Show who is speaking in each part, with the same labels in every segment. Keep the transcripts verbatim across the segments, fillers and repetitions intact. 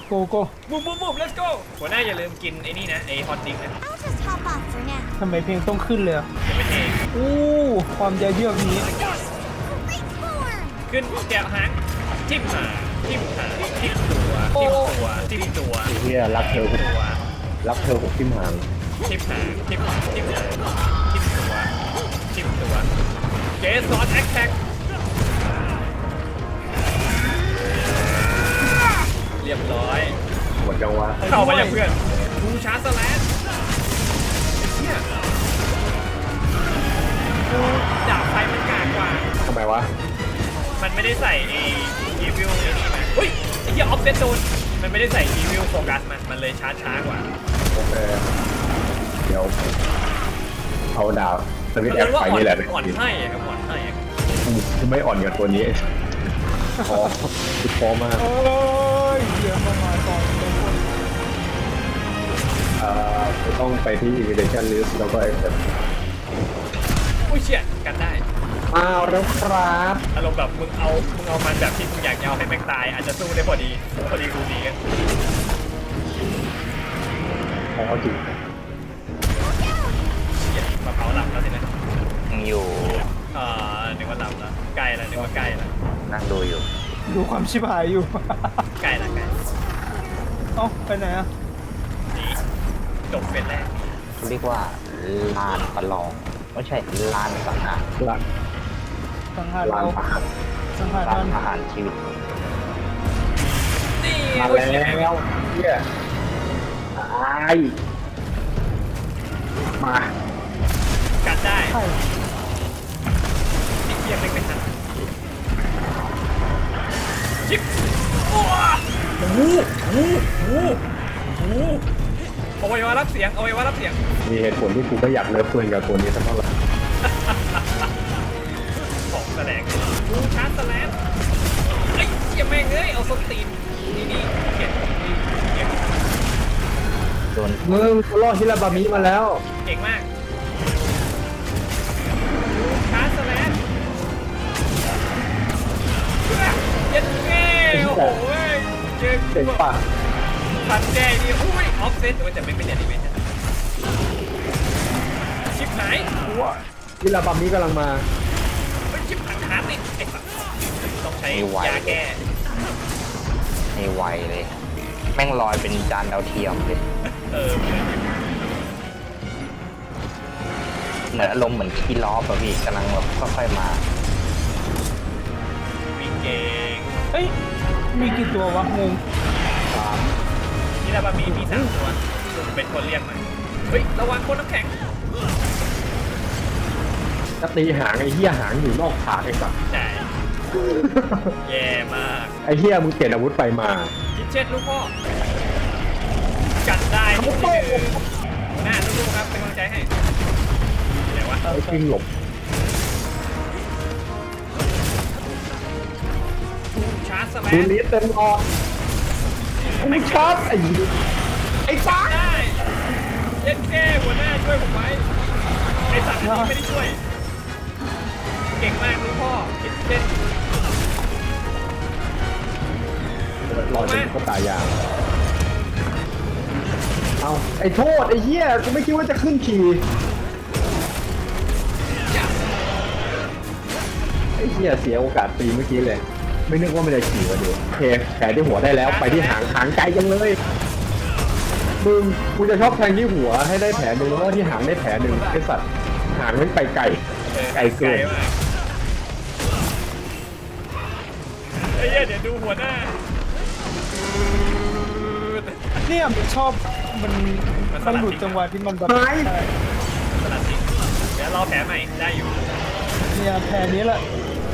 Speaker 1: โกโก้
Speaker 2: บูมบูมบูม let's go หัวหน้าอย่าลืมกินไอ้นี่นะไอ้ฮอตดิ้งนะ
Speaker 3: I'll just hop off for now.
Speaker 1: ทำไมเพลงต้องขึ้นเลยอะ
Speaker 2: จะเป็นเอง
Speaker 1: อู้ความใจเยือกนี้
Speaker 3: Great form.
Speaker 2: ขึ้นแกะหางทิ่มหางทิ่มหางทิ่มตัวทิ่มตัวทิ่มตัว
Speaker 4: ไอ้เหี้ยรักเธอ
Speaker 2: ตัว
Speaker 4: รักเธอหกทิ่มหาง
Speaker 2: ทิ่มหางทิ่มทิ่มหางทิ่มตัวทิ่มตัวเกสซอนแอคแท็กเรียบร้อย
Speaker 4: หมดจังวะ
Speaker 2: เข้ามาอย่างเพื่อนบูชาสแลนเนี่ยดาบไฟมันกากกว่า
Speaker 4: ทำไมวะ
Speaker 2: มันไม่ได้ใส่ไอ้อีวิลไอ้นี่มาเฮ้ยไอ้เหี้ยออฟเซตโดนมันไม่ได้ใส่อีวิลโฟกัสมันมันเลยช้าช้ากว่า
Speaker 4: โอเคเดี๋ยวเอาดาวสวิตช์แอ
Speaker 2: เรีย
Speaker 4: ป
Speaker 2: กว่า
Speaker 4: ไป
Speaker 2: อ่อน
Speaker 4: นี่แหละ
Speaker 2: อ่อนให้อะครับอ่อนให้อะ
Speaker 4: กูไม่อ่อนกับตัวนี้พอคือพอมาก
Speaker 1: โอ้ยเดี๋ยวมามาก่อนเป็นคน
Speaker 4: เอ่อต้องไปที่ invitation list แล้วก็ accept
Speaker 2: อุ้ยเชี่ยกันได้
Speaker 4: อ้าวแล้วครับ
Speaker 2: อารมณ์แบบมึงเอามึงเอามันแบบที่มึงอยากจะเอาให้แม็กตายอาจจะสู้ได้พอดีพอดีกูดีกัน
Speaker 4: พอจริง
Speaker 2: เชี่ยมาเผาหลับแล้วสินะ
Speaker 5: ยังอยู่
Speaker 2: เอ่อนึกว่าหลับแล้วใกล้แล้วนึกว่าใกล้แล้ว
Speaker 5: นั่งดูอยู่
Speaker 1: ดูความชิบหายอยู่
Speaker 2: ใกล้แล้วใกล้
Speaker 1: เอ้าไปไหนอะ
Speaker 2: นี่จบเป็นแรก
Speaker 5: เรียกว่าลานประลอง ไม่ใช่ลานสังหาร
Speaker 4: หลัง
Speaker 1: สังหาร
Speaker 4: ลา
Speaker 1: เรา
Speaker 4: นประหาร
Speaker 1: สังหาร
Speaker 5: ลา
Speaker 1: มัน น
Speaker 5: ประหารชีวิต
Speaker 2: นี่
Speaker 4: มา
Speaker 2: โอ้ย
Speaker 4: แล้
Speaker 2: เชี่ยว
Speaker 4: เฮียตายมา
Speaker 2: กัดได้
Speaker 1: ใช่
Speaker 2: ไอ้เหี้ยไม่เป็นทันชิปโอ้โหโอ้โหโอ้โหเอาไว้ว่ารับเสียงเอาไว้ว่ารับเสียง
Speaker 4: มีเหตุผลที่กูไม่อยากเลิฟเพื่อนกับตัวนี้สักเท่าไหร่
Speaker 2: ของแสลงบูชาร์จแสลงไอ้เหี้ยแม่งเอ้ยเอาส้นตีนนี่นี่เขียนนี่เก่ง
Speaker 5: โดน
Speaker 4: มึงเขาล่อฮิราบามิมาแล้ว
Speaker 2: เก่งมากบูชาร์จแสลงเย็นแง่โอ้โหเจอ
Speaker 4: เจ๋งป่ะ
Speaker 2: ฟันแง่นี่อุ้ยออฟเซตแต่ไม่เป็นแอนิเมชั่นชิปหาย
Speaker 4: ฮิราบามิกำลังมา
Speaker 2: ชิปหายขาติดไอ้สัสต้องใช้ยาแก้
Speaker 5: ให้ไวเลย แม่งลอยเป็นจานดาวเทียมเลย
Speaker 2: เออ
Speaker 5: เหมือนอารมณ์เหมือนคีล้อป่ะพี่กำลังแบบค่อยๆมา
Speaker 2: มีเก่ง
Speaker 1: เอ้ยมีกี่ตัววะงง
Speaker 2: นี่แล้วมีมีสามตัวเป็นคนเรียกมาเฮ้ยระวังคนน้ำแข็ง
Speaker 4: จะตีหางไอ้เหี้ยหางอยู่นอกขาไอ้สัส
Speaker 2: ใช่แย่มาก
Speaker 4: ไอ้เหี้ยมึงเปลี่ยนอาวุธไปมา
Speaker 2: คิดเช็ดลูกพ่อกัดได้ทุกทีหน้าลูกๆครับเป็นกำลังใจให้ไหนวะ
Speaker 4: ไอ้กิ้งหลบ
Speaker 2: ชาร์จสแล
Speaker 4: ดู
Speaker 2: น
Speaker 4: ลิสเต็มออนมึงชอบไอ้ไอ้ฟ้า
Speaker 2: ได้เย็นแก้หัวหน้าช่วยผมไว้ไอสัตว์นี้ไม่ได้ช่วยเก่งมากลูกพ่อคิดเช็ด
Speaker 4: รอจนเขาตายยางเอาไอ้โทษไอ้เหี้ยกูไม่คิดว่าจะขึ้นขี่ไอ้เหี้ยเสียโอกาสตีเมื่อกี้เลย ไม่นึกว่ามันจะขี่มาดูโอเคแผลที่หัวได้แล้วไปที่หางหางไกลจังเลยมึงกูจะชอบแทงที่หัวให้ได้แผลหนึ่งแล้วก็ที่หางได้แผลหนึ่งไอ้สัตว์หางมันไปไกลไกลเกิน
Speaker 2: มากไอ้เหี้ยเดี๋ยวดูหัวหน้า
Speaker 1: เนี่ยมันชอบมันมันหลุดจังหวะที่มันแบบ
Speaker 4: หาย
Speaker 1: ใช่
Speaker 2: สลัดสิเดี๋ยวรอแผลใหม่ได้อยู่
Speaker 1: เนี่ยแผลนี้แหละ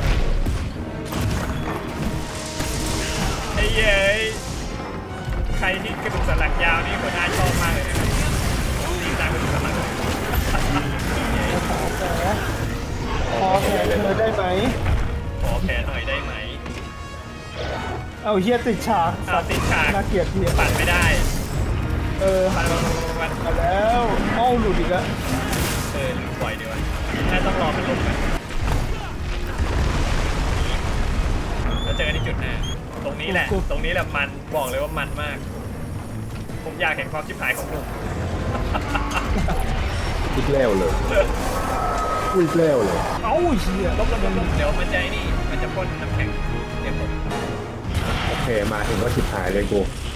Speaker 2: ไอ้เย้ยใครที่กระดูกสันหลังยาวนี่หัวหน้าชอบมากเลยนะตีตามกระดูกสันหลัง
Speaker 1: ขอแผลขอแผลเธอได้ไหม
Speaker 2: ขอแผลหน่อยได้ไหม
Speaker 1: เอาเฮียติดฉาก
Speaker 2: อ้าวติดฉาก
Speaker 1: น่าเกลียดเฮีย
Speaker 2: ปัดไม่ได้
Speaker 1: เออ
Speaker 2: ปัดปัดปัดปัด
Speaker 1: มาแล้วเอ้าหลุดอีกแล้ว
Speaker 2: เออลืมปล่อยดีวะน่าต้องรอมันลงกันแล้วเจอกันที่จุดหน้าตรงนี้แหละ ตรงนี้แหละมันบอกเลยว่ามันมาก ผมอยากเห็นความชิบหายของหนุ่ม
Speaker 4: อีกแล้วเลยอีกแล้วเลย
Speaker 1: เอ้าเหี้ย
Speaker 2: ลบลบลบลบเดี๋ยวมันจะไอ้นี่ มันจะพ่นน้ำแข็งเดี๋ยวผม
Speaker 4: โอเคมาถึงก็ชิบหายเลยกู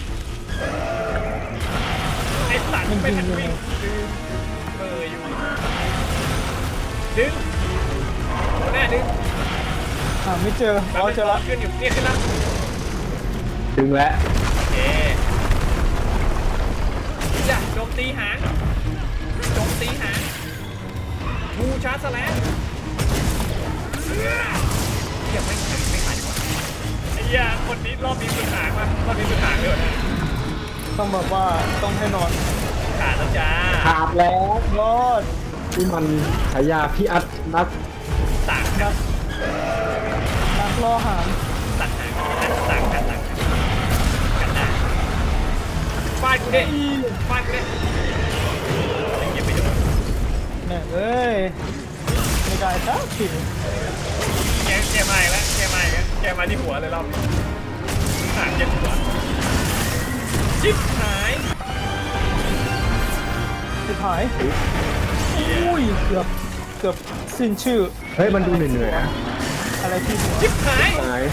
Speaker 2: ไอ้สัตว์ไม่ทันวิ่งดึงเบอร์อยู่ดึงโอ้แน่ดึง
Speaker 1: หาไม่เจอ
Speaker 2: มัน
Speaker 1: อ๋อ
Speaker 2: เป็น
Speaker 1: เจอ
Speaker 2: ล้อ
Speaker 1: ละ
Speaker 2: ขึ้นอยู่เนี่ยขึ้นแล้ว
Speaker 4: ดึงแล้ว
Speaker 2: โอเคจ้ะโจมตีหางโจมตีหางบูชาร์จแลนเดี๋ยวไม่ไม่ไม่ขายดีกว่าไอ้เหี้ยคนนี้รอบนี้สุดหางมากรอบนี้สุดหางเลยนะ
Speaker 1: ต้องแบบว่าต้องให้นอน
Speaker 2: ขาดแล้วจ้า
Speaker 4: ขาดแล้ว
Speaker 1: รอด
Speaker 4: ที่มันฉายาพี่อัดนัก
Speaker 2: ต่างกัน
Speaker 1: นักล่อหาง
Speaker 2: ต่างหางต่างกันต่างกันกันได้ฟาดกูดิฟาดกูดิยังยังไม่โดน
Speaker 1: เนี่ยเอ้ยไม่ได้สักที
Speaker 2: แกแกมาอีกแล้วแกมาอีกแล้วแกมาที่หัวเลยรอบนี้หางเจ็บหัวชิบหาย
Speaker 1: สุดท้ายอุ้ยเกือบเกือบสิ้นชื่อ
Speaker 4: เฮ้ยมันดูเหนื่อยๆอะ
Speaker 1: อะไรที่
Speaker 2: ชิบหาย
Speaker 4: หาย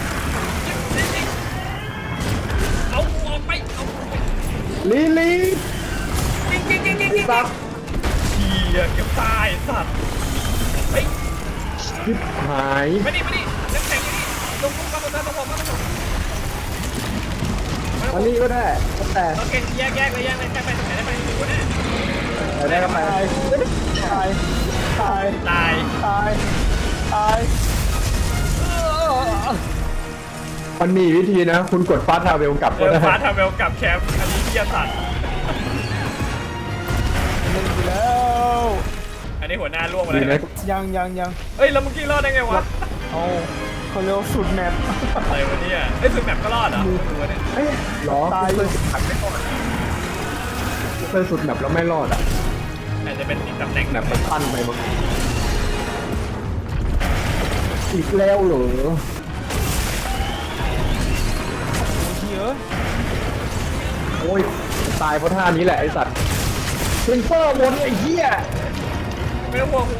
Speaker 2: เอาออกไปเอา
Speaker 4: ลีลี
Speaker 2: จริงจริงจริงจริงจริง
Speaker 4: ซับ
Speaker 2: เฮียเกือบตายสัตว์เฮ้ย
Speaker 4: ชิบหาย
Speaker 2: มาดิมาดิน้ำแข็งอยู่นี่ลงลงมาลงมาลงมาลงมาลง
Speaker 4: อันนี้ก็ได้แต่
Speaker 2: โอเคแยกแยกเลยแยกเลยแยกไปตรงไหนได้ไปดูนะ
Speaker 4: ไปได้ก็ไป
Speaker 1: ตายตายตาย
Speaker 2: ตาย
Speaker 1: ตายตาย
Speaker 4: มันมีวิธีนะ คุณกดฟาสทาเวลกลับ
Speaker 2: เอ
Speaker 4: ก็
Speaker 2: อ
Speaker 4: ได้
Speaker 2: ฟ้าทำเวลกับแคมป์อันนี้เฮียสัตว์
Speaker 1: เล่นไปแล้ว
Speaker 2: อันนี้หัวหน้าล่วงมา
Speaker 4: ดี
Speaker 2: แล้ว
Speaker 4: นะ
Speaker 1: ยังยังยัง
Speaker 2: เอ้ยแล้วเมื่อกี้รอดได้ไงวะ
Speaker 1: เอาเขาเรียกว่าสุดแมป
Speaker 2: อะไรวะเนี่ยเอ้ยสุดแมปก็รอดเหรอไม่รู้วะเนี่ย
Speaker 4: เอ้ยหรอ
Speaker 1: ตาย
Speaker 4: เคยสุดแบบไม่รอดเคยสุดแบบแล้วไม่รอดอ่ะ
Speaker 2: อาจจะเป็นอีกตำแหน่ง
Speaker 4: แบบมันสั้นไปมั้งอีกแล้วเหรอ
Speaker 1: เยอะ
Speaker 4: โอ้ยตายเพราะท่านี้แหละไอสัตว์เซนเซอร์บนไอ้เหี้ย
Speaker 2: ไม่ต้องห่วง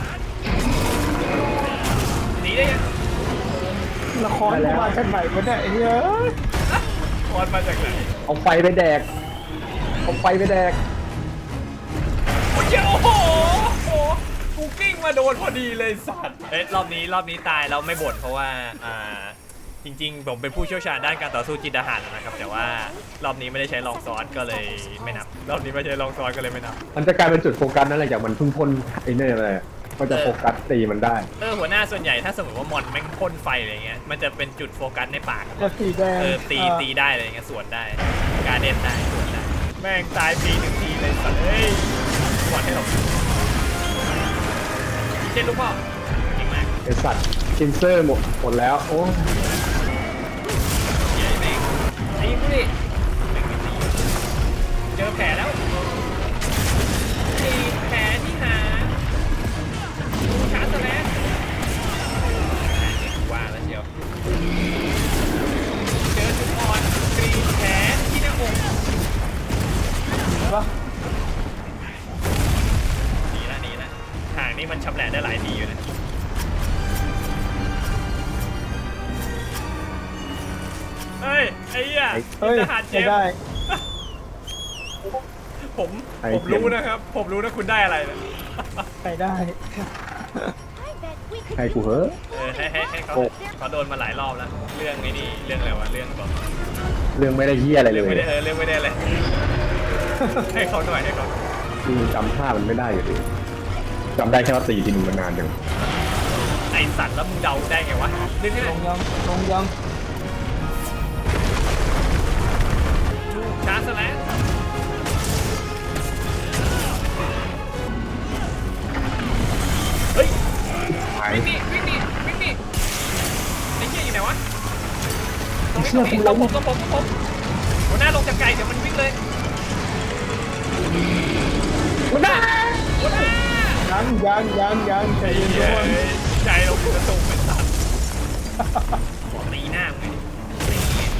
Speaker 2: หนีได้ยัง
Speaker 1: ละครมาจากไหนวะเนี่ยไอ้เหี้ย
Speaker 2: คอนมาจากไหน
Speaker 4: เอาไฟไปแดกเอาไฟไปแดก
Speaker 2: โอ้ยโอ้โหโอ้โหกูกิ้งมาโดนพอดีเลยสัตว์เอ้ยรอบนี้รอบนี้ตายแล้วไม่บ่นเพราะว่าอ่าจริงๆผมเป็นผู้เชี่ยวชาญด้านการต่อสู้จิตทหารนะครับแต่ว่ารอบนี้ไม่ได้ใช้ลองซ้อนก็เลยไม่นับรอบนี้ไม่ใช้ลองซ้อนก็เลยไม่นับ
Speaker 4: มันจะกลายเป็นจุดโฟกัสนั่นแหละจากมันเพิ่งพ่นไอ้เนี่ยอะไรอะก็จะโฟกัสตีมันได้
Speaker 2: เออหัวหน้าส่วนใหญ่ถ้าสมมติว่ามอนแม่งพ่นไฟอะไรเงี้ยมันจะเป็นจุดโฟกัสในปาก
Speaker 1: จะสีแดง
Speaker 2: เออตีตีได้อะไรเงี้ยสวนได้การเด่นได้สวนได้แม่งตายปีหนึ่งทีเลยสัตว์เอ้ยหวานให้เราเจ็ดลูกพ่อเก่งมาก
Speaker 4: ไอสัตว์ซินเซอร์หมดหมดแล้วโอ้
Speaker 2: ใหญ่แม่งไอ้กูดิแม่งไม่ตีเจอแผลแล้วตีแผลที่หาชาร์จแล้วว่าแล้วเชียวเจอจุดอ่อนกรีดแผลที่หน้าอก
Speaker 1: ปะ
Speaker 2: ดีละดีละห่างนี่มันชำแหละได้หลายทีอยู่นะเฮ้ยไอ้เหี้ย
Speaker 1: เฮ้ย
Speaker 2: ทหารเจ
Speaker 1: ไม่
Speaker 2: ม
Speaker 1: ได้
Speaker 2: ส์ผมผมรู้นะครับ ผมรู้นะคุณได้อะไรนะ
Speaker 1: ไปได้
Speaker 3: I bet we could
Speaker 4: ให้กูเหอะ
Speaker 2: เออให้ให้ให้เขาเขาโดนมาหลายรอบแล้ว เรื่องไอ้นี่เรื่องอะไรวะเรื่องแบบ
Speaker 4: เรื่องไม่ได้เหี้ยอะไรเล
Speaker 2: เรื่อง
Speaker 4: ย
Speaker 2: ไม่ได้เออเรื่องไม่ได้เลย ให้เขาหน่อยให้เขา
Speaker 4: จริงจำท่ามันไม่ได้อยู่ดีจำได้แค่ว่าตีทีนึงมันนานจัง
Speaker 2: ไอสัตว์แล้วมึงเดาได้ไงวะนึกง่า
Speaker 1: ล
Speaker 2: ย
Speaker 1: งยังลงยัง
Speaker 2: ลูกชาร์จแล้วเฮ้ย
Speaker 4: หาย
Speaker 2: วิ่งดิวิ่งดิวิ่งดิไอ้เหี้ยอยู่ไหนวะตรงนี้
Speaker 4: เชื่
Speaker 2: ตร
Speaker 4: อง
Speaker 2: นี้
Speaker 4: กู
Speaker 2: ตรงผมตรงผมตรงผมหัวหน้าลงจากไกลเดี๋ยวมันวิ่งเลย
Speaker 4: มันได้
Speaker 2: หัวหน้า
Speaker 1: ยังยังยังยังใจ
Speaker 2: ไอ้
Speaker 1: เย็น
Speaker 2: เหี้
Speaker 1: ทุ
Speaker 2: ย
Speaker 1: กคน
Speaker 2: ใจเรากระตุกเป็นสัตว์ตีหน้ามึงไงตี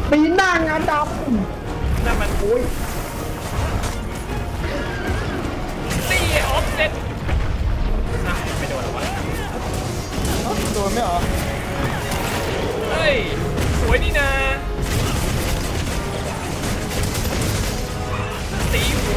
Speaker 4: ปีหน้างานด
Speaker 2: นั่นมัน
Speaker 4: ำโอ้ย
Speaker 2: ตีออฟเซ็ตอ่ะไม่โดนหรอวะ
Speaker 1: เอ้าโดนไหมเหรอ
Speaker 2: เฮ้ยสวยนี่นาตีหัว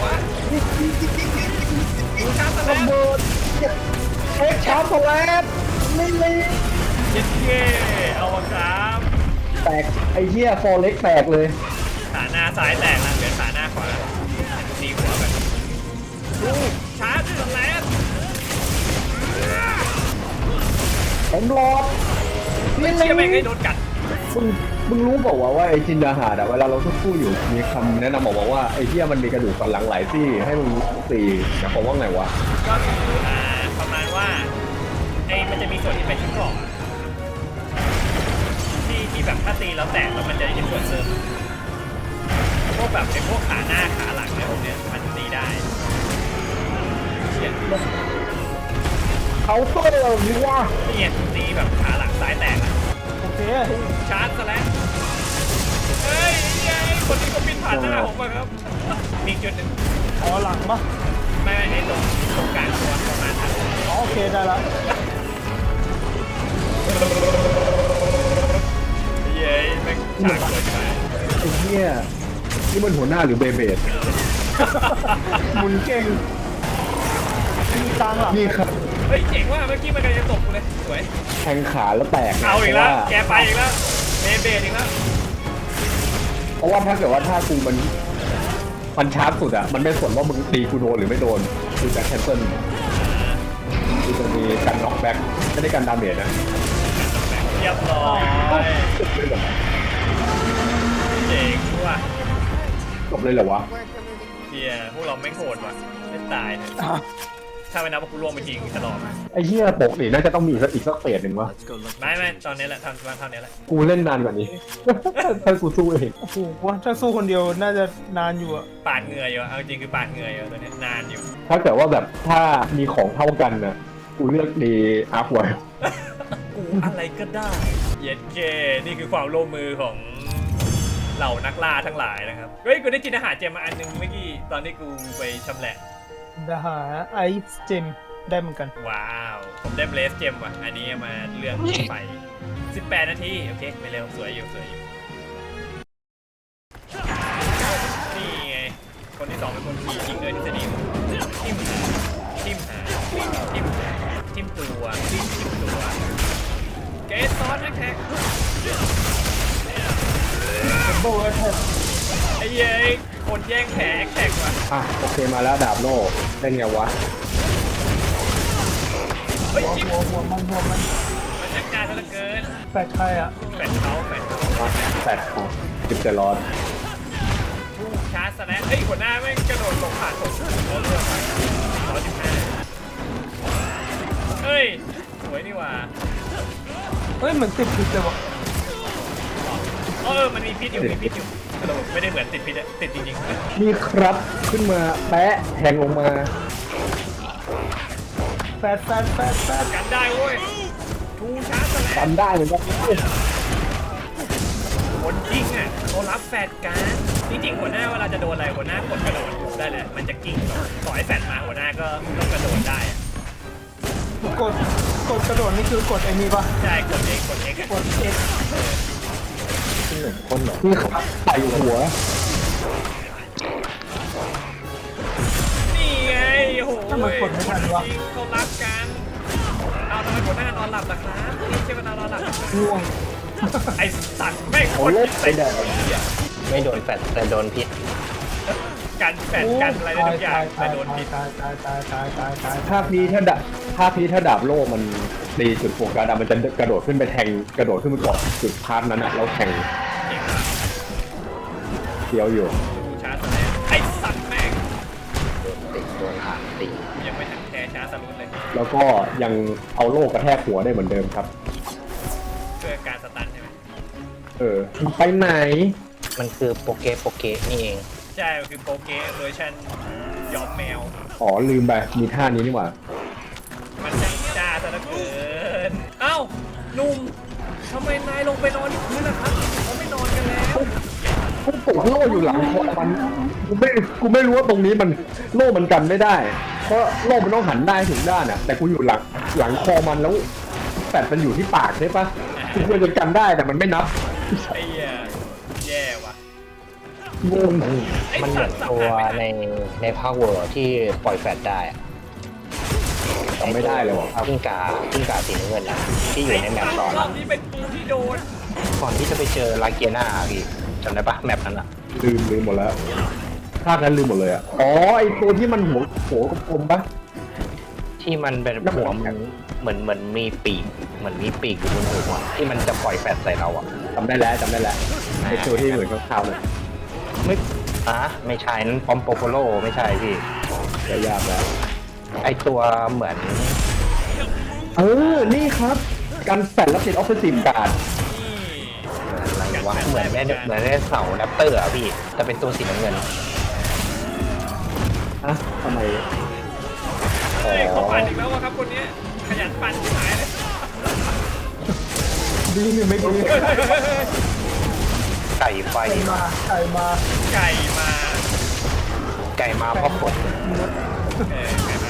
Speaker 2: ดูชาร์จแล้
Speaker 4: ระ
Speaker 2: ว
Speaker 4: เบิดเอ็กชาร์ปแลนไม่เลย
Speaker 2: เย็ดเก้เอาวะครับ
Speaker 4: แตกไอ้เหี้ยฟอร์เล็กแตกเลย
Speaker 2: ขาหน้าซ้ายแตกแล้วเหลือขาหน้าขวาตีหัวกันดูชาร์จสแลน
Speaker 4: ผมรอด
Speaker 2: ไม่เชื่อแม่งให้โดนกัด
Speaker 4: มึงมึงรู้เปล่าวะว่าไอ้จินดาหาดอะเวลาเราสู้ๆอยู่มีคำแนะนำบอกมาว่าไอ้เหี้ยมันมีกระดูกสันหลังหลายซี่ให้มึงตีแต่ผมว่าไงวะ
Speaker 2: ก็คืออ่าประมาณว่าไอ้มันจะมีส่วนที่เป็นชิ้นกรอบอะที่ที่แบบถ้าตีแล้วแตกแล้วมันจะได้ส่วนเสริมพวกแบบไอ้พวกขาหน้าขาหลังเนี่ยพวกเนี้ยมันตีได้เชี่ย
Speaker 4: เขาเตอร์นี่ว่า
Speaker 2: นี่ไงตีแบบขาหลังซ้ายแตกอะ
Speaker 1: โอเค
Speaker 2: ชาร์จซะแล้วเฮ้ยไอ้คนนี้ก็บินผ่านหน้าผมมาครับ มีจุดหนึ่ง
Speaker 1: อ๋อหลังปะ
Speaker 2: ไม่ไม่ให้ตรงตรงกลางตัวประมาณนั้น
Speaker 1: อ๋อโอเคได้แล้ว
Speaker 2: เย้แม่งฉากเกินไป
Speaker 4: ไอ้เหี้ยนี่มันหัวหน้าหรือเบเบด
Speaker 1: หมุนเก่งมีกลางหลัง
Speaker 4: นี่ครับ
Speaker 2: เฮ้ยเจ๋งว่ะเมื่อกี้มันกำลังจะตกกูเลยสวย
Speaker 4: แทงขาแล้วแตก
Speaker 2: เอาอีกแล้ว
Speaker 4: พระ
Speaker 2: แกไปอีกแล้วเบเบดอีกแล้ว
Speaker 4: เพราะว่าถ้าเกิดว่าถ้ากูมันมันชาร์จสุดอะมันไม่สนว่ามึงตีกูโดนหรือไม่โดนกูจะแคนเซิลกูจะมีการน็อกแบ็กไม่ได้การดาเมจนะ
Speaker 2: เรียบร้อยเจ๋งว่ะ
Speaker 4: จบเลยเหรอวะ
Speaker 3: Word for moving.
Speaker 2: เฮียพวกเราไม่งโหดว่ะไม่ตายเลยถ้าไม่นับว่ากูล่วงไปจริงจะหลอกไหม
Speaker 4: ไอ้เหี้ยปกนี่น่าจะต้องมีอีกสักอีกสักเฟสหนึ่งวะ
Speaker 2: ไม่ไม่ตอนนี้แหละทำมาเท่านี้แหละ
Speaker 4: กูเล่นนานกว่านี้ ถ้ากูสู้เอง
Speaker 1: โอ้โหว่าถ้าสู้คนเดียวน่าจะนานอยู่อะ
Speaker 2: ปาดเหงื่ออยู่เอาจริงคือปาดเหงื่ออยู่ตัวเนี้ยนานอยู่
Speaker 4: ถ้าเกิดว่าแบบถ้ามีของเท่ากันนะกูเลือกดีอาร์คไว้
Speaker 2: กูอะไรก็ได้เย็ดเกนี่คือความร่วมมือของเหล่านักล่าทั้งหลายนะครับเฮ้ยกูได้กินอาหารเจมมาอันนึงเมื่อกี้ตอนที่กูไปชำแหละ
Speaker 1: ดาหาไอซ์เจมได้เหมือนกัน
Speaker 2: ว้าวผมได้เบลสเจมว่ะอันนี้มาเลือกไฟสิบแปดนาทีโอเคไม่เร็วสวยอยู่สวยอยู่นี่ไงคนที่สองเป็นคนขี่ยิงด้วยทฤษฎีทิมทิมหาทิมหาทิมตัวทิมตัวเกสซอนแท็ก
Speaker 1: โบว์แท็ก
Speaker 2: ไอ้เย้ยคนแย่งแผลแขกว่ะ
Speaker 4: อ่ะโอเคมาแล้วดาบโล่เล่นไงวะ
Speaker 2: เฮ้ย
Speaker 1: หัว
Speaker 2: จิ๊บ
Speaker 1: หัวหัวมันหัวมัน
Speaker 2: มันจัดการซะเหลือเกิน
Speaker 1: แปดใครอะ
Speaker 2: แปดเขาแปดเขา
Speaker 4: มาแปดของจิบเจร้อน
Speaker 2: ผู้ชาร์จสแลนเฮ้ยหัวหน้าแม่งกระโดดลงผ่านผมเราเลือกไปร้อยสิบห้าเฮ้ยสวยนี่หว่า
Speaker 1: เฮ้ยเหมือนติดผิดเลยวะ
Speaker 2: เออมันมีพิษอยู่มีพิษอยู่กระโดดไม่ได้เหมือนติดพิษอะติดจริงๆ
Speaker 4: นี่ครับขึ้นมาแปะแทงลงมา
Speaker 1: แฟดแฟดแฟดแฟด
Speaker 2: กันได้เว้ยทูชาร์จสแล
Speaker 4: กัน นได้เหมือนกัน
Speaker 2: คนยิงอ่ะเขารับแฟดการจริงๆหัวหน้าเวลาจะโดนอะไรหัวหน้ากดกระโดดได้เลยมันจะกิ้งต่อให้แฟดมาหัวหน้าก็ต้องกระโดดได้อะ
Speaker 1: กดกดกระโดดนี่คือกดไอ้นี่ปะ
Speaker 2: ใช่กดเองกดเองอะ
Speaker 1: กด X
Speaker 4: คนเหรอนี่ครับใส่หัว
Speaker 2: นี่ไงโอ้โห
Speaker 1: ถ้ามันกดไม่ทันวะ
Speaker 2: จริงเขารักกันเอาทำไมหัวหน้านอนหลับล่ะครับนี่ใช่ไหมนอนหลับล่ะครับ
Speaker 1: ง่วง
Speaker 2: ไอสัตว์ไม่ง
Speaker 4: โอ้
Speaker 2: คน
Speaker 4: เล่น
Speaker 2: ใส่
Speaker 4: ไปแดด
Speaker 5: ไม่โดนแฟดแต่โดนพิษ
Speaker 2: กันแฟดกันอะไรได้ทุกอย่างแต่โดนพิษ
Speaker 1: ตายตายตายตายตายตาย
Speaker 4: ภาคนี้ถ้าดาบภาคนี้ถ้าดาบโล่มันตีจุดโฟกัสอะมันจะกระโดดขึ้นไปแทงกระโดดขึ้นไปเกาะจุดพาร์ทนั้นอะแล้วแทง
Speaker 2: เก่งมาก
Speaker 4: เดียวอยู่
Speaker 2: ดูชาร์จสแลนไอสัตว์แม่ง
Speaker 5: ติดโดนหางตี
Speaker 2: ยังไม่ทันแคร์ชาร์จสลุนเลย
Speaker 4: แล้วก็ยังเอาโล่กระแทกหัวได้เหมือนเดิมครับ
Speaker 2: เพื่อการสตันใช่ไหม
Speaker 4: เออไปไหน
Speaker 5: มันคือโปเกโปเกนี่เอง
Speaker 2: ใช่มันคือโปเกเวอร์ชันยอมแมว
Speaker 4: อ๋อลืมไปมีท่านี้นี่หว่า
Speaker 2: มันจังจ้าซะเหลือเกิน เอ้าหนุ่มทำไมนายลงไปนอนที่พื้นล่ะครับเราไม่นอนกันแล้ว
Speaker 4: กูปกโล่อยู่หลังคอมันกูไม่กูไม่รู้ว่าตรงนี้มันโล่มันกันไม่ได้ เพราะโล่มันต้องหันได้ถึงด้านอ่ะแต่กูอยู่หลังหลังคอมันแล้วแปดมันอยู่ที่ปากใช่ปะกูควรจะกันได้แต่มันไม่นับ
Speaker 2: ไอ้เหี้ยแย่ว่ะ
Speaker 4: งง
Speaker 5: มันเหมือนตัวในในภาคเวอร์ที่ปล่อยแฟลชได้อะ
Speaker 4: จำไม่ได้เลยว่ะ
Speaker 5: กิ้งกากิ้งกาสีน้ำเงินนะที่อยู่ในแมปตอน
Speaker 2: รอบนี้เป็นกูที่โดน
Speaker 5: ก่อนที่จะไปเจอลาเกียนาพี่จำได้ปะแมปนั้นอะ
Speaker 4: ลืมลืมหมดแล้วภาคนั้นลืมหมดเลยอ่ะอ๋อไอตัวที่มันหัวหัวกลมๆปะ
Speaker 5: ที่มันเป็นหัวมันเหมือนเหมือนมีปีกเหมือนมีปีกอยู่บนหัวที่มันจะปล่อยแฟลชใส่เราอะ
Speaker 4: จำได้แล้วจำได้แล้วไอตัวที่เหมือนข้าวๆเลย
Speaker 5: ไม่อ่ะไม่ใช่นั้นปอมโปโปโลไม่ใช่พี่
Speaker 4: ยากแล้ว
Speaker 5: ไอตัวเหมือน
Speaker 4: เออ นี่ครับ การแฟนรับติดออฟฟิศซีมการ์ด
Speaker 2: นี่
Speaker 5: อะไรวะเหมือนได้เหมือนได้เสาแรปเตอร์อะพี่แต่เป็นตัวสีน้ำเงิน
Speaker 4: อะทำไม
Speaker 2: เฮ้ยเขาปั่นอีกแล้ววะครับคนเนี้ยขยันปั่นที่หายเลย
Speaker 4: ดีหรือไม่ดี
Speaker 5: ไก่ไฟ
Speaker 1: ไก่มาไก่มา
Speaker 2: ไก่มา
Speaker 5: ไก่มาเพราะฝน
Speaker 2: เออไก่มา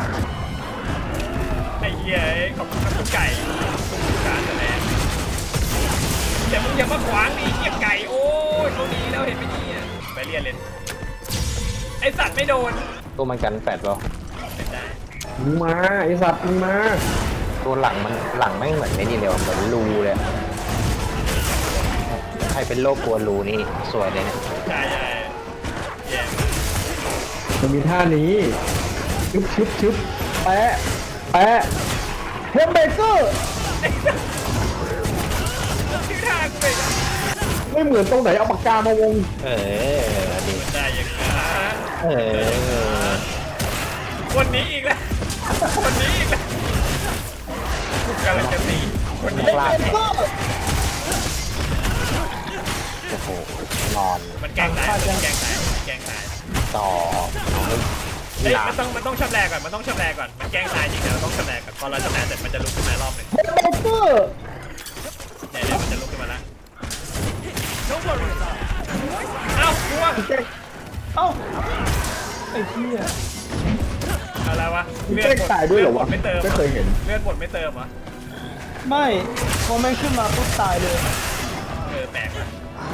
Speaker 2: ไอ้เหี้ยขอบคุณครับคุณไก่คุณการแสดงแต่มึงอย่ามาขวางดิเหี้ยไก่โอ้ยเขาดีแล้วเห็นไหมเนี่ยไปเรียนเลยไอสัตว์ไม่โดน
Speaker 5: ตัวมันกันแฟดเหรอ
Speaker 2: เป็นได้
Speaker 4: มึงมาไอสัตว์มึงมา
Speaker 5: ตัวหลังมันหลังไม่งเหมือนไอ้นี่เลยว่ะเหมือนรูเลยอะใครเป็นโรคกลัวรูนี่สวยเลยเนี่ย
Speaker 2: ใช่ใช่แย่มาก
Speaker 4: มันมีท่านี้ชึบชึบชึบแปะแปะเฮมเบเกอร์
Speaker 2: ชื่อทางไป
Speaker 4: ไม่เหมือนตรงไหนเอาปากกามาวง
Speaker 5: เออดี
Speaker 2: ได้ยังไงนะ
Speaker 5: เออ
Speaker 2: วันนี้อีกแล้ววันนี้อีกแล้วกำลังจะตีวันนี้
Speaker 5: พลาดเนี่ยโอ้โหนอน
Speaker 2: มันแกล้งตายมันแกล้งตายมันแกล้งตาย
Speaker 5: ต่อ
Speaker 2: เฮ้ย
Speaker 5: หลั
Speaker 2: มั
Speaker 5: ง
Speaker 2: นต้องมันต้องชำแรกก่อนมันต้องชำแรกก่อนมันแกล้งตายจริงแต่เราต้องชำแรกก่อนพอเราชำแรกเสร็จมันจะลุกขึ้นมารอบหนึ่ง
Speaker 4: เฮมเบเกอร์
Speaker 2: เนี่ยเนี่ยมันจะลุกขึ้นมาแล้วเอ้ากลัว
Speaker 1: เอ้าไอ้เหี้ย
Speaker 2: อะไรวะ
Speaker 4: มึงแกล้งตายด้วยเหรอวะ
Speaker 2: ไม่เติม
Speaker 4: ไม่เคยเห็น
Speaker 2: เลือดหมดไม่เติมเหรอ
Speaker 1: ไม่พอแม่งขึ้นมาปุ๊บตายเลย
Speaker 2: เออแปลกว่ะ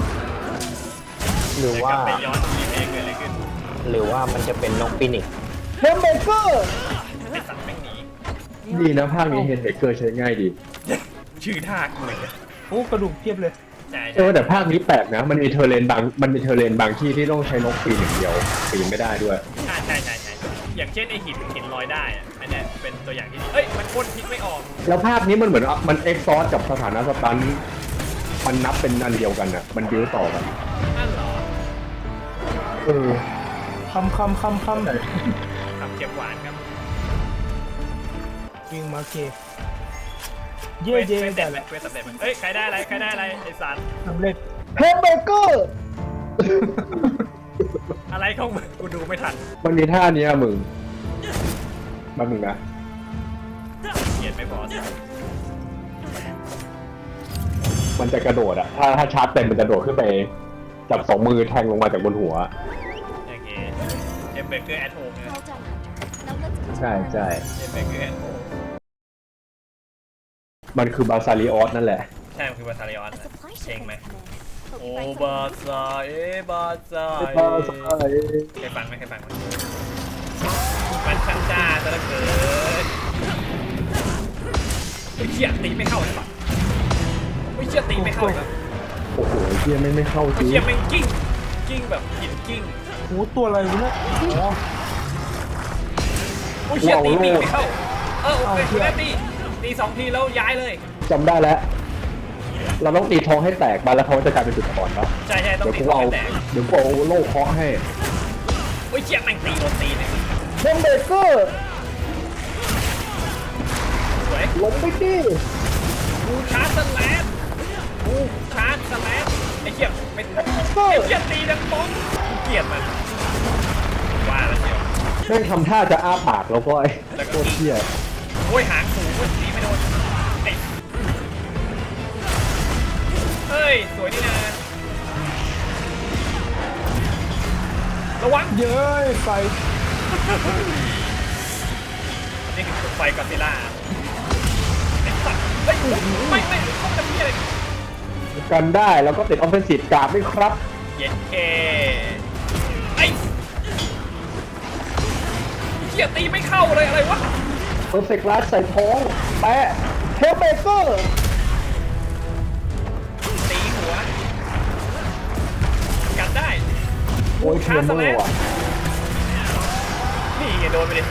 Speaker 5: หรือว่า
Speaker 2: เดี๋ยกลับไปย้อนรีเพลย์เกิดอะไรขึ้น
Speaker 5: หรือว่ามันจะเป็นนกฟินิกซ์
Speaker 1: เฮมเบเกอร์
Speaker 2: ไอสัตว์แม่งหนี
Speaker 4: ดีนะภาคนี้เฮนเบเกอร์ใช้ง่ายดี
Speaker 2: ชื่อท่ากูเลย
Speaker 1: โอ้กระดูกเพียบเลย
Speaker 2: ใช่
Speaker 4: เออแต่ภาคนี้แปลกนะ มันมีเทอร์เลนบางมันมีเทอร์เลนบางที่ที่ต้องใช้นกปีนอย่างเดียวปีนไม่ได้ด้วย
Speaker 2: ใช่ใช่ใช่ใช่อย่างเช่นไอหินหินลอยได้อะอันเนี้ยเป็นตัวอย่างที่ดีเอ้ยมันพ่นพิษไม่ออก
Speaker 4: แล้วภาคนี้มันเหมือนว่ามันเอ็กซอร์กับสถานะสตันมันนับเป็นอันเดียวกันอ่ะ มันบิ้วต่อกัน
Speaker 2: นั่นเหรอ
Speaker 4: เออ
Speaker 1: คำคำคำคำ
Speaker 2: ทำเค็มหวานครับ
Speaker 1: ยิงมาเคเย่เย่
Speaker 2: เวท
Speaker 1: แต่
Speaker 2: สำเร็จเวทสำเร็จเอ้ยใครได้อะไรใครได้อะไรไอสัตว์
Speaker 1: สำเร็จเฮมเบเกอร์
Speaker 2: อะไรของมึงกูดูไม่ทัน
Speaker 4: มันมีท่านี้อะมึงมามึงนะ
Speaker 2: เกียดไม่พอสิ
Speaker 4: มันจะกระโดดอ่ะ ถ้าถ้าชาร์จเต็มมันจะโดดขึ้นไปจับสองมือแทงลงมาจากบนหัว
Speaker 2: โอเคเอ็มเบเกอร์แอทโฮมนะ
Speaker 3: Well done, Hunter. Now let's continue.
Speaker 4: ใช่ใช่
Speaker 2: เอ็มเบเกอร์แอทโฮม
Speaker 4: มันคือบาซาริออสนั่นแหละ
Speaker 2: ใช่มันคือบาซาริออน
Speaker 3: A supply
Speaker 2: เชง
Speaker 3: ship
Speaker 2: ไหม
Speaker 3: has come in. Hope
Speaker 2: โอ้
Speaker 3: you find
Speaker 2: บา
Speaker 3: something
Speaker 2: ซาเอบาซาเอเคยฟังไหมเคยฟังไหมมันช่างจ้าซะเหลือเกินไอ้เชี่ยตีไม่เข้าใช่ปะไอ้เชี่ยตีไม่เข้าครับ
Speaker 4: โอ้โหเฮียไม่งไม่เข้าจ
Speaker 2: ไอ้
Speaker 4: ริง
Speaker 2: เชี่ยแม่งกิ้งกิ้งแบบหินกิ้ง
Speaker 1: โอ้ตัวอะไรวะเนี่ยอ๋อ
Speaker 2: โอ้ยเชี่ยตีปีกไม่เข้าเออโอเคคุณแม่ตีตีสองทีแล้วย้ายเลย
Speaker 4: จำได้แล้ว เราต้องตีท้องให้แตกไปแล้วเขาจะกลายเป็นจุดอ่อนปะ
Speaker 2: ใช่ใช่ต้อง
Speaker 4: เดี๋ยว
Speaker 2: ตี
Speaker 4: กู
Speaker 2: ท้อง
Speaker 4: เอา
Speaker 2: ให้แตก
Speaker 4: เดี๋ยวกูเอาโล่เคาะให้
Speaker 2: โอ้ยเชี่ยแม่งตีโดนตีเนี่ย
Speaker 1: เฮมเบเกอร์
Speaker 2: สวย
Speaker 4: ล้มไปดิ
Speaker 2: กูชาร์จสแลนกูชาร์จสแลนไอ้เชี่ยไม่ไอ้เชี่ยตีดังป้องกูเกลียดมันว่าแล้วเชียว
Speaker 4: แม่งทำท่าจะอ้าปากแล้วก็ไอ้
Speaker 2: แล้วก็
Speaker 4: โคตรเที่ย
Speaker 2: โอ้ยหางสูงโอ้ยตีไม่โดนไอ้เฮ้ยสวยนี่นะระวัง
Speaker 1: เย้ยไฟ
Speaker 2: อันนี้คือไฟกอซิล่าไอ้สัตว์เฮ้ยไม่ไม่เขาจะมีอะไร
Speaker 4: กันได้แล้วก็ติดออฟเฟนซีฟการ์ดด้วยครับ
Speaker 2: เย็นเคไอ้เหี้ยตีไม่เข้าเลยอะไรวะ
Speaker 4: เพอร์เฟกต์ลัสใส่ท้องแปะเทลเบเกอร์
Speaker 2: ตีหัวกันได้
Speaker 4: โอ้ยเทียมเมอร์ว่ะ
Speaker 2: นี่ไงโดนไปดิ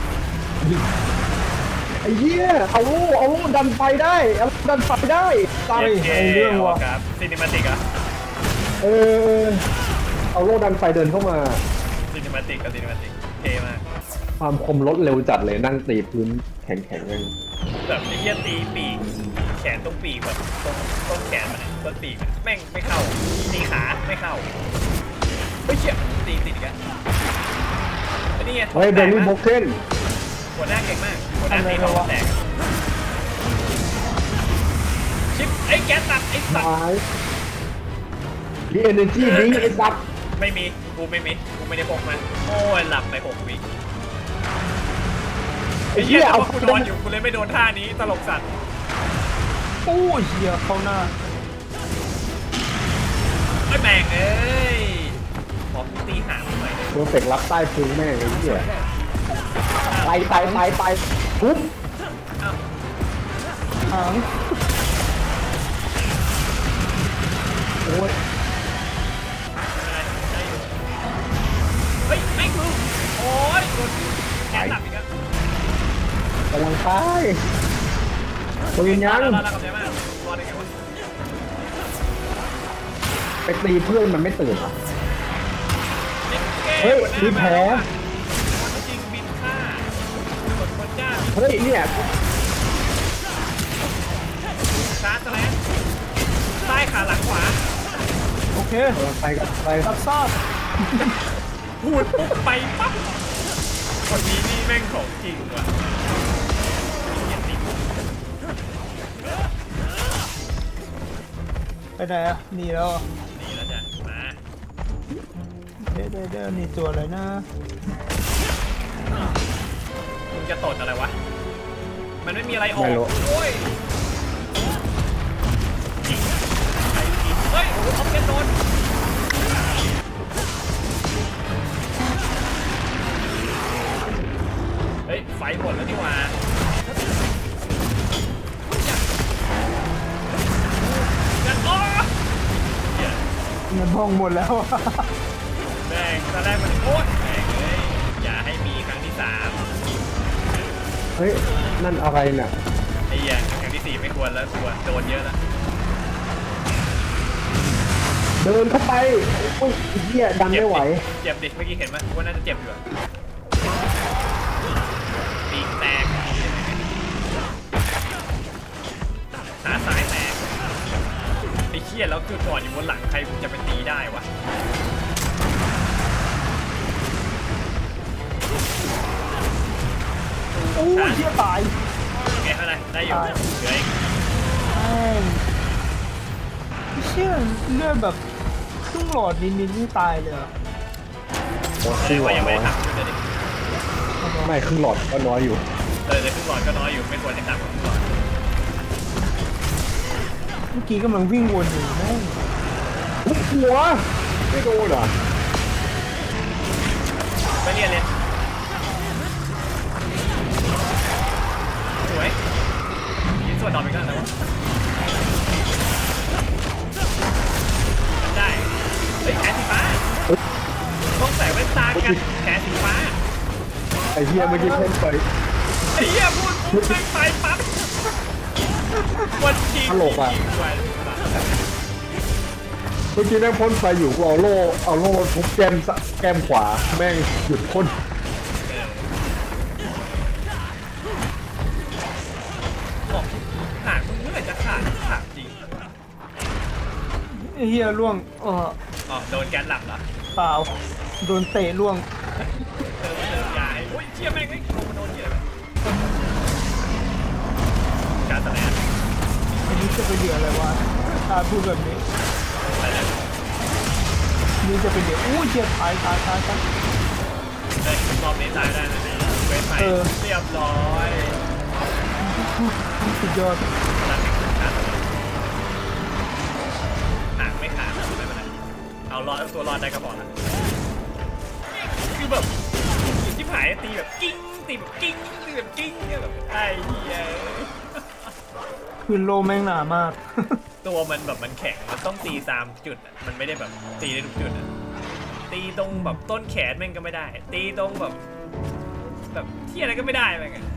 Speaker 4: ไอ้เหี้ยเอาลูกเอาลูกดันไฟได้เอาดันไฟได้ตาย
Speaker 2: เย็นเค
Speaker 1: เอาเรื่องว่ะ
Speaker 2: ครับซีนิมาติกอะ
Speaker 4: เออเอาโล่ดันไฟเดินเข้ามา
Speaker 2: ซีนิมาติกกับซีนิมาติกเท่มาก
Speaker 4: ความคมลดเร็วจัดเลยนั่งตีพื้นแข็งๆเลย
Speaker 2: แบบไอ้เหี้ยตีปีกแขนตรงปีกแบบตรงต้นแขนมันอะต้นปีกมันแม่งไม่เข้าตีขาไม่เข้าเฮ้ยเชี่ยตีติดอีกแล้วไอ้นี่ไง
Speaker 4: เฮ้ยเบลลี่โบเกน
Speaker 2: หัวหน้าเก่งมากหัวหน้าตีเขาแตกชิปไอ้แก๊สตัดไอ้สัตว์
Speaker 4: ไม้ดีเอเนจีดีไอ้สัตว์
Speaker 2: ไม่มีกูไม่มีกูไม่ได้พกมันโอ้ยหลับไปหกวิ
Speaker 4: ไอ้
Speaker 2: ไอ้
Speaker 4: เหี้
Speaker 2: เหี้
Speaker 4: ย
Speaker 2: ย
Speaker 4: เอา
Speaker 2: เอากูนอนอยู่กูเลยไม่โดนท่านี้ตลกสัตว์
Speaker 1: โอ้ยเฮียเข้าหน้า
Speaker 2: ไอ้แม่งเอ้ยขอกูตีหางหน่อยเลย
Speaker 4: เพอร์เฟกต์รับใต้พื้นแม่งไอ้เหี้ยไปไปไปไปทุบ
Speaker 2: อ้าว
Speaker 1: หาง
Speaker 4: โอ้ย
Speaker 2: อะไรได้อยู่เฮ้ยไม่กูโอ้ยโดนแขนหลับอีกแล้ว
Speaker 4: กำลังไปปืนยัง
Speaker 2: เราเรากำลังมากรอได้ไงวะ
Speaker 4: ไปตีเพื่อนมันไม่ตื่นเหรอ
Speaker 2: เฮ้
Speaker 4: เฮ้
Speaker 2: ย
Speaker 4: ยมีแผล
Speaker 2: จริงบินฆ่ากดคนจ้า
Speaker 4: เฮ้ยเนี่ย
Speaker 2: ชาร์จซะแล้วซ้ายขาหลังขวา
Speaker 1: โอเค
Speaker 4: กำลังไปกันไป
Speaker 1: รับทราบ
Speaker 2: พูดปุ๊บไปปั๊บคนนี้นี่แม่งของจริงว่ะเห็นดิ
Speaker 1: ไปไหนอ่ะหนีแล้วอ่ะ
Speaker 2: นี่แล้วจ้ะมา
Speaker 1: เดี๋ยวเดี๋ยวเดี๋ยวหนี่ตัวอะไรนะ
Speaker 2: มึงจะตดอะไรวะ มันไม่มีอะไรออกโอ้ยยิงใครยิงเฮ้ยโอ้โหเอาเก็ตโดนเฮ้ยไฟหมดแล้วนี่หว่ากันอ้อเหี้ย
Speaker 1: เงินห้องหมดแล้วอะ
Speaker 2: แม่งตอนแรกมันโอ๊ยแม่งเลยอย่าให้มีครั้งที่สาม
Speaker 4: เฮ้ยนั่นอะไรเนี่ย
Speaker 2: ไอ้เหี้ยครั้งที่สี่ไม่ควรแล้วควรโดนเยอะแล้ว
Speaker 4: เดินเข้าไปโอ้ยไอ้เหี้ยดันไม่ไหว
Speaker 2: เจ็บดิเมื่อกี้เห็นไหมว่าน่าจะเจ็บอยู่อะปีกแตกขาซ้ายแตกไอ้เชี่ยแล้วคือก่อนอยู่บนหลังใครจะไปตีได้วะ
Speaker 1: โอ้ยเฮียตาย
Speaker 2: โอเคเท่าไหร่ได้อยู่เหลืออีก
Speaker 1: แม่งเชี่ยเลือดแบบครึ่งหลอดนิดๆนี่ตายเลยเหรอ
Speaker 4: โอ้
Speaker 2: แสด
Speaker 4: ครึ่
Speaker 2: ง
Speaker 4: งหลอ
Speaker 2: ว่า
Speaker 4: ด
Speaker 2: ยังไม่
Speaker 4: น้อ
Speaker 2: ได้
Speaker 4: ย
Speaker 2: ทำอยู่เลยดิ
Speaker 4: ไม่ครึ่งหลอดก็น้อยอยู่
Speaker 2: เออแต่ครึ่งหลอดก็น้อยอยู่ไม่ควรจะทำครึ่งหลอด
Speaker 1: เมื่อกี้กำลังวิ่งวนอยู่แม่ง
Speaker 4: ทุบหัวไม่โดนเหรอ
Speaker 2: ไปเรียนเลยสวยยิงส่วนดอกอีกแล้วนะวะได้เฮ้ยแขนสีฟ้าต้องใส่แว่นตากันแขนสีฟ้า
Speaker 4: ไอ้เหี้ยเมื่อกี้เพ่นไป
Speaker 2: ไอ้เหี้ยพูดพูดแม่งไปปั๊บวันจริง
Speaker 4: ตลกอะ
Speaker 2: จริงๆว่ะ
Speaker 4: เมื่อกี้แม่งพ่นไฟอยู่กูเอาโล่เอาโล่ทุบแก้มซะแก้มขวาแม่งหยุดพ่น
Speaker 2: บอกขาดมึงเมื่อไหร่จะขาดขาดจริง
Speaker 1: ไอ้เฮียล่วงเออ
Speaker 2: อ๋อโดนแกนหลับเหรอ
Speaker 1: เปล่าโดนเตะล่วง
Speaker 2: เติมเติมยาให้โอ้ยเชี่ยแม่งไอ้โดนโดนเชี่ยอะไรการแสดง
Speaker 1: อันนี้จะไปเหลืออะไรวะถ้าพูดแบบนี้
Speaker 2: อะไรนะ
Speaker 1: นี่จะเป็นเดี๋ยวอู้เจียตายตายตายตาย
Speaker 2: เฮ้ยรอบนี้ตายได้นะเนี่ยเวทใหม่
Speaker 1: เออ
Speaker 2: เรียบร้อย
Speaker 1: สุดยอด
Speaker 2: พลังไม่ขาดหางไม่ขาดนะไม่เป็นไรเอารอดตัวรอดได้ก็พอละคือแบบชิบหายตีแบบกิ้งตีแบบกิ้งตีแบบกิ้งเนี่ยแบบไอ้เหี้ย
Speaker 1: คือโลแม่งหนามาก
Speaker 2: ตัวมันแบบมันแข็งมันต้องตีตามจุดอะมันไม่ได้แบบตีได้ทุกจุดอะตีตรงแบบต้นแขนแม่งก็ไม่ได้ ตีตรงแบบแบบที่อะไรก็ไม่ได้แม่งอะ